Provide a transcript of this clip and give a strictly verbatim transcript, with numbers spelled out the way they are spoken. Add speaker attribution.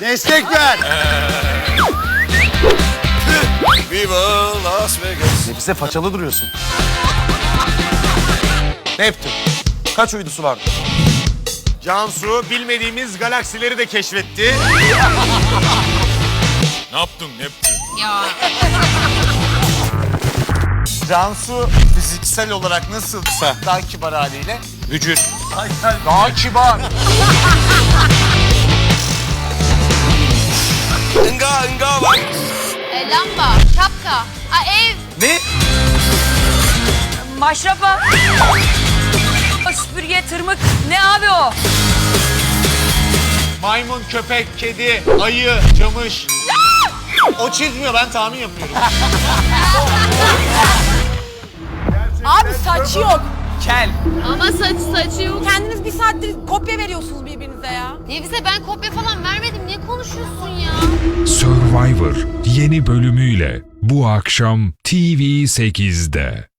Speaker 1: Destek ver.
Speaker 2: Viva Las Vegas.
Speaker 1: Nefise façalı duruyorsun. Neptün. Kaç uydusu vardı?
Speaker 3: Cansu bilmediğimiz galaksileri de keşfetti.
Speaker 2: Ne yaptın Neptün?
Speaker 4: Ya.
Speaker 1: Cansu fiziksel olarak nasılsa daha kibar haliyle.
Speaker 3: Vücut.
Speaker 1: Daha kibar.
Speaker 2: Inga Inga var.
Speaker 4: E, lamba, şapka, a, ev.
Speaker 1: Ne?
Speaker 5: Maşrapa. Süpürge, tırmık. Ne abi o?
Speaker 3: Maymun, köpek, kedi, ayı, camış. O çizmiyor, ben tahmin yapıyorum.
Speaker 6: Abi saç yok.
Speaker 1: Kel.
Speaker 4: Ama saç saçı yok.
Speaker 6: Kendiniz bir saattir kopya veriyorsunuz birbirinize ya.
Speaker 4: Nevise ben kopya falan vermedim. Niye konuşuyorsun ya?
Speaker 7: Survivor yeni bölümüyle bu akşam T V sekizde.